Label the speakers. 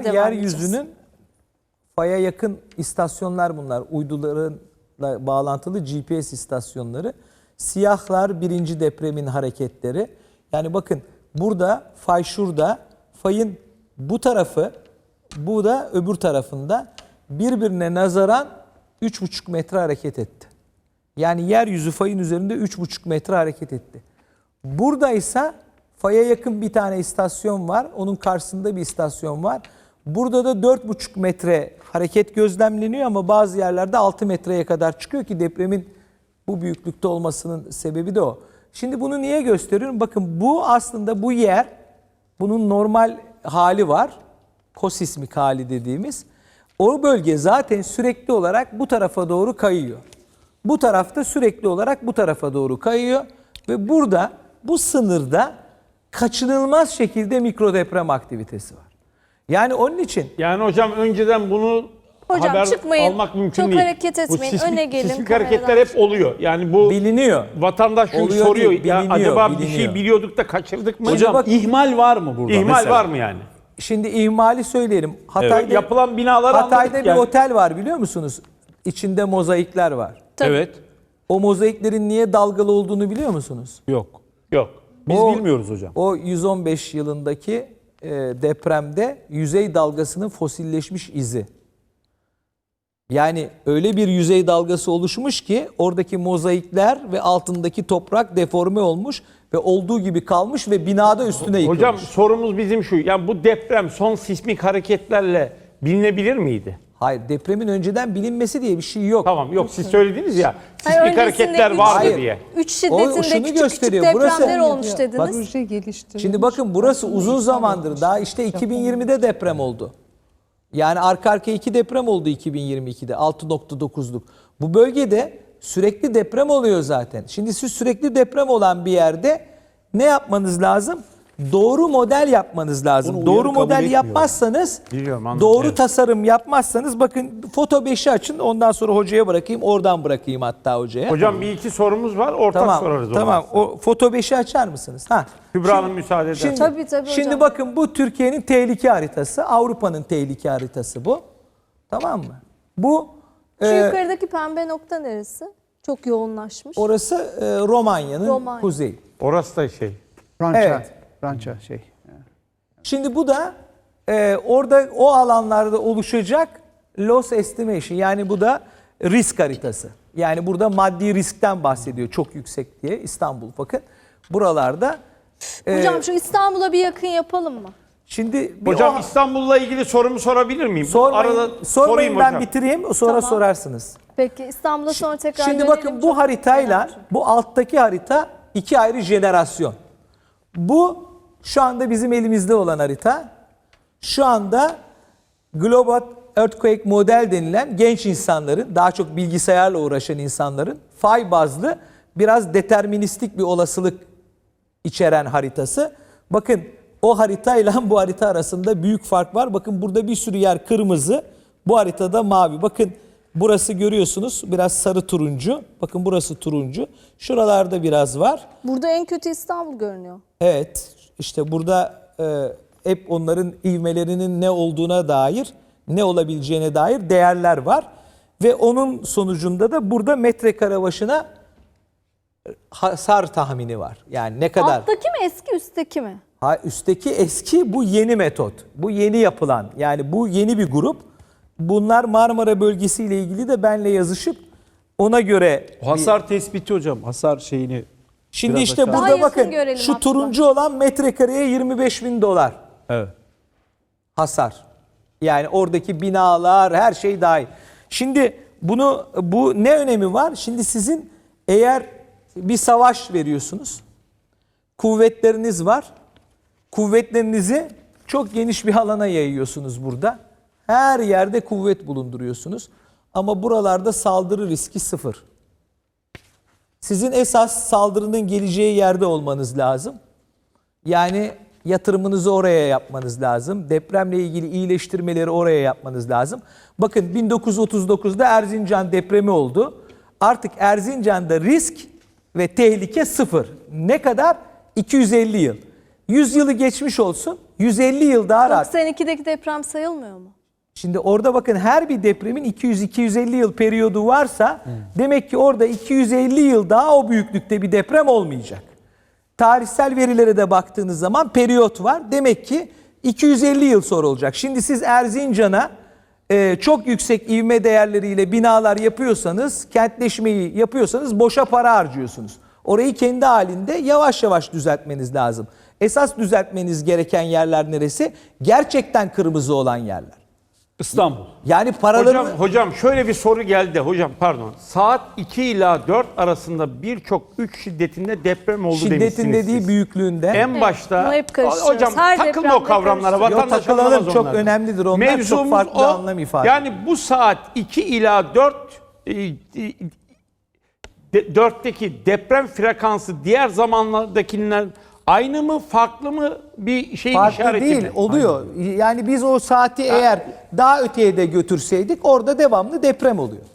Speaker 1: devam
Speaker 2: yeryüzünün faya yakın istasyonlar bunlar. Uydularla bağlantılı GPS istasyonları. Siyahlar birinci depremin hareketleri. Yani bakın burada fay şurada. Fayın bu tarafı, bu da öbür tarafında birbirine nazaran 3,5 metre hareket etti. Yani yeryüzü fayın üzerinde 3,5 metre hareket etti. Buradaysa faya yakın bir tane istasyon var. Onun karşısında bir istasyon var. Burada da 4,5 metre hareket gözlemleniyor ama bazı yerlerde 6 metreye kadar çıkıyor ki depremin bu büyüklükte olmasının sebebi de o. Şimdi bunu niye gösteriyorum? Bakın bu aslında bu yer, bunun normal hali var. Kosismik hali dediğimiz. O bölge zaten sürekli olarak bu tarafa doğru kayıyor. Bu tarafta sürekli olarak bu tarafa doğru kayıyor. Ve burada bu sınırda kaçınılmaz şekilde mikrodeprem aktivitesi var. Yani onun için...
Speaker 3: Yani hocam önceden bunu haber
Speaker 1: çıkmayın,
Speaker 3: almak mümkün
Speaker 1: çok
Speaker 3: değil.
Speaker 1: hareket etmeyin, öne gelin,
Speaker 3: Sismik
Speaker 1: kameradan
Speaker 3: hareketler hep oluyor. Yani bu
Speaker 2: biliniyor.
Speaker 3: Vatandaş çünkü
Speaker 2: Oluyor
Speaker 3: soruyor.
Speaker 2: değil,
Speaker 3: Ya
Speaker 2: biliniyor,
Speaker 3: acaba bir
Speaker 2: biliniyor.
Speaker 3: şey biliyorduk da kaçırdık mı?
Speaker 4: Hocam
Speaker 2: bak-
Speaker 4: ihmal var mı burada?
Speaker 3: İhmal
Speaker 4: mesela?
Speaker 3: var mı yani?
Speaker 2: Şimdi ihmali söyleyelim. Hatay'da,
Speaker 3: Yapılan binalar
Speaker 2: Hatay'da bir
Speaker 3: yani.
Speaker 2: otel var biliyor musunuz? İçinde mozaikler var.
Speaker 1: Tabii.
Speaker 4: Evet.
Speaker 2: O mozaiklerin niye dalgalı olduğunu biliyor musunuz?
Speaker 4: Yok.
Speaker 3: Yok.
Speaker 4: Biz
Speaker 2: O-
Speaker 4: bilmiyoruz hocam.
Speaker 2: O 115 yılındaki depremde yüzey dalgasının fosilleşmiş izi. Yani öyle bir yüzey dalgası oluşmuş ki oradaki mozaikler ve altındaki toprak deforme olmuş ve olduğu gibi kalmış ve binada üstüne yıkılmış.
Speaker 3: Hocam sorumuz bizim şu. Yani bu deprem son sismik hareketlerle bilinebilir miydi?
Speaker 2: Hayır, depremin önceden bilinmesi diye bir şey yok.
Speaker 3: Tamam, yok siz söylediniz ya.
Speaker 1: Hayır,
Speaker 3: Sismik
Speaker 1: öncesinde
Speaker 3: hareketler vardı
Speaker 2: Hayır.
Speaker 3: diye.
Speaker 1: 3
Speaker 2: O
Speaker 1: şiddetinde
Speaker 2: şunu
Speaker 1: küçük
Speaker 2: gösteriyor.
Speaker 1: küçük depremler
Speaker 2: Burası-
Speaker 1: olmuş dediniz.
Speaker 2: Bak,
Speaker 5: Proje geliştirilmiş.
Speaker 2: şimdi bakın burası uzun zamandır daha işte 2020'de deprem oldu. Yani arka arkaya 2 deprem oldu 2022'de 6,9'luk. Bu bölgede sürekli deprem oluyor zaten. Şimdi siz sürekli deprem olan bir yerde ne yapmanız lazım? Doğru model yapmanız lazım.
Speaker 4: Bunu
Speaker 2: Doğru
Speaker 4: uyarı kabul
Speaker 2: model
Speaker 4: etmiyor.
Speaker 2: yapmazsanız,
Speaker 3: Biliyorum, anladım.
Speaker 2: doğru
Speaker 3: Evet.
Speaker 2: tasarım yapmazsanız bakın foto 5'i açın ondan sonra hocaya bırakayım. Oradan bırakayım hatta hocaya.
Speaker 3: Hocam bir iki sorumuz var. Ortak
Speaker 2: Tamam,
Speaker 3: sorarız.
Speaker 2: tamam. O foto 5'i açar mısınız? Ha.
Speaker 3: Kübra Hanım müsaade eder.
Speaker 2: Şimdi,
Speaker 1: Tabii, tabii
Speaker 2: şimdi
Speaker 1: hocam.
Speaker 2: bakın bu Türkiye'nin tehlike haritası, Avrupa'nın tehlike haritası bu. Tamam mı? Bu
Speaker 1: Şu yukarıdaki pembe nokta neresi? Çok yoğunlaşmış.
Speaker 2: orası Romanya'nın
Speaker 1: Romanya.
Speaker 2: kuzeyi.
Speaker 3: Orası da şey.
Speaker 5: Rança.
Speaker 2: Evet.
Speaker 5: Rança şey.
Speaker 2: Şimdi bu da orada o alanlarda oluşacak loss estimation, yani bu da risk haritası. Yani burada maddi riskten bahsediyor çok yüksek diye İstanbul, bakın buralarda.
Speaker 1: Hocam şu İstanbul'a bir yakın yapalım mı?
Speaker 2: Şimdi bir
Speaker 3: Hocam
Speaker 2: o-
Speaker 3: İstanbul'la ilgili sorumu sorabilir miyim?
Speaker 2: sormayın, sormayın, ben
Speaker 3: hocam.
Speaker 2: bitireyim sonra
Speaker 1: Tamam.
Speaker 2: sorarsınız.
Speaker 1: Peki İstanbul'a sonra tekrar
Speaker 2: Şimdi
Speaker 1: dönelim.
Speaker 2: bakın
Speaker 1: Çok
Speaker 2: bu haritayla
Speaker 1: merak ediyorum.
Speaker 2: bu alttaki harita iki ayrı jenerasyon. Bu şu anda bizim elimizde olan harita. Şu anda Global Earthquake Model denilen genç insanların, daha çok bilgisayarla uğraşan insanların fay bazlı biraz deterministik bir olasılık içeren haritası. Bakın o haritayla bu harita arasında büyük fark var. Bakın burada bir sürü yer kırmızı, bu haritada mavi. Bakın burası görüyorsunuz biraz sarı turuncu. Bakın burası turuncu. Şuralarda biraz var.
Speaker 1: Burada en kötü İstanbul görünüyor.
Speaker 2: Evet, işte burada hep onların ivmelerinin ne olduğuna dair, ne olabileceğine dair değerler var. Ve onun sonucunda da burada metrekare başına hasar tahmini var. Yani ne kadar?
Speaker 1: Alttaki mi eski üstteki mi?
Speaker 2: Ha, üstteki eski, bu yeni metot. Bu yeni yapılan, yani bu yeni bir grup. Bunlar Marmara bölgesiyle ilgili de benle yazışıp ona göre...
Speaker 4: O hasar tespiti hocam. Hasar şeyini.
Speaker 2: Şimdi
Speaker 4: biraz
Speaker 2: işte
Speaker 4: aşağı-
Speaker 1: Daha
Speaker 2: burada
Speaker 1: yakın
Speaker 2: bakın
Speaker 1: görelim
Speaker 2: şu
Speaker 1: hatta.
Speaker 2: turuncu olan metrekareye 25.000 dolar
Speaker 4: Evet.
Speaker 2: hasar. Yani oradaki binalar, her şey dahil. Şimdi bu ne önemi var? Şimdi sizin eğer bir savaş veriyorsunuz, kuvvetleriniz var, kuvvetlerinizi çok geniş bir alana yayıyorsunuz burada. Her yerde kuvvet bulunduruyorsunuz. Ama buralarda saldırı riski sıfır. Sizin esas saldırının geleceği yerde olmanız lazım. Yani yatırımınızı oraya yapmanız lazım. Depremle ilgili iyileştirmeleri oraya yapmanız lazım. Bakın 1939'da Erzincan depremi oldu. Artık Erzincan'da risk ve tehlike sıfır. Ne kadar? 250 yıl. 100 yılı geçmiş olsun. 150 yıl daha rahat.
Speaker 1: 92'deki deprem sayılmıyor mu?
Speaker 2: Şimdi orada bakın her bir depremin 200-250 yıl periyodu varsa demek ki orada 250 yıl daha o büyüklükte bir deprem olmayacak. Tarihsel verilere de baktığınız zaman periyot var. Demek ki 250 yıl sonra olacak. Şimdi siz Erzincan'a çok yüksek ivme değerleriyle binalar yapıyorsanız, kentleşmeyi yapıyorsanız boşa para harcıyorsunuz. Orayı kendi halinde yavaş yavaş düzeltmeniz lazım. Esas düzeltmeniz gereken yerler neresi? Gerçekten kırmızı olan yerler.
Speaker 4: İstanbul.
Speaker 2: Yani paraları...
Speaker 3: Hocam şöyle bir soru geldi. Hocam pardon. Saat 2 ila 4 arasında birçok 3 şiddetinde deprem oldu demişsiniz
Speaker 2: Şiddetin dediği
Speaker 3: siz.
Speaker 2: büyüklüğünde.
Speaker 3: En başta
Speaker 1: Bunu hep karıştırıyoruz.
Speaker 3: hocam
Speaker 1: Her
Speaker 3: takılma
Speaker 1: depremde
Speaker 3: o kavramlara.
Speaker 1: karıştırıyoruz.
Speaker 2: Yok,
Speaker 3: Vatandaş
Speaker 2: takılalım,
Speaker 3: anlamaz
Speaker 2: çok
Speaker 3: onlardan.
Speaker 2: önemlidir onlar. Çok
Speaker 3: Mevzumuz
Speaker 2: farklı anlam ifade
Speaker 3: Yani bu saat 2 ila 4'teki deprem frekansı diğer zamanlardakinden aynı mı, farklı mı, bir şey
Speaker 2: Farklı
Speaker 3: işareti
Speaker 2: değil,
Speaker 3: mi?
Speaker 2: oluyor. Yani biz o saati eğer daha öteye de götürseydik orada devamlı deprem oluyor.